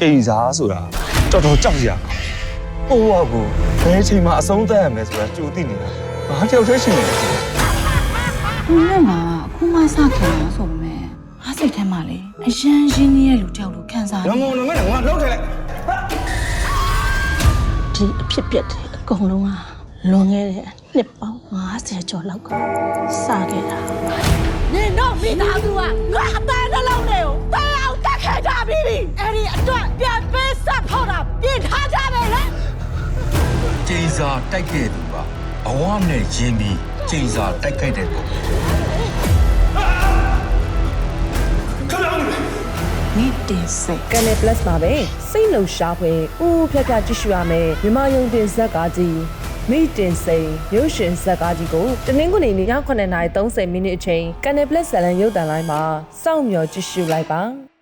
ချိန်စားဆိုတာတော်တော်ကြောက်စရာကိုယ့်ဘဝကိုဘယ်အချိန်မှအဆုံးသတ်ရမယ်ဆိုတာကြိုသိနေတာဘာတယောက်တည်းရှိနေလဲခုနဲ့မှာအခုမှစခင်လာဆိုပေမဲ့အားစိတ်ထဲမှာလေအရန်ရင်းနှီးရဲ့လူတယောက်လိုခံစားနေငုံငုံနဲ့ငါလှုပ်ထလိုက်ဒီအဖြစ်ပြက်တယ်အကုန်လုံးကလွန်ခဲ့တဲ့နှစ်ပေါင်း50ကျော်လောက်ကစခဲ့တာနင်တို့မိသားစုကငါအတန်းနှလုံးတွေကိုတန်အောင်တက်ခဲ့ကြပြီအဲ့ဒီအတွက်ပြန်ပေးဆက်ဖို့တာပြင်ထားကြမယ်လေကျိန်စာတိုက်ခဲ့သူကဘဝနဲ့ရင်းပြီးကျိန်စာတိုက်ခဲ့တဲ့ပုံမိတင်စိတ် Canal Plus မှာပဲစိတ်လှုပ်ရှားဖွယ်ဦးဖြတ်ဖြတ်ကြည့်ရှုရမယ်မြန်မာယုံတင်ဇက်ကားကြီးမိတင်စိန်ရုပ်ရှင်ဇက်ကားကြီးကိုတနင်္ဂနွေနေ့ည9:30မိနစ်အချိန် Canal Plus ဇာတ်လမ်းရုပ်သံလိုင်းမှာစောင့်မျှော်ကြည့်ရှုလိုက်ပါ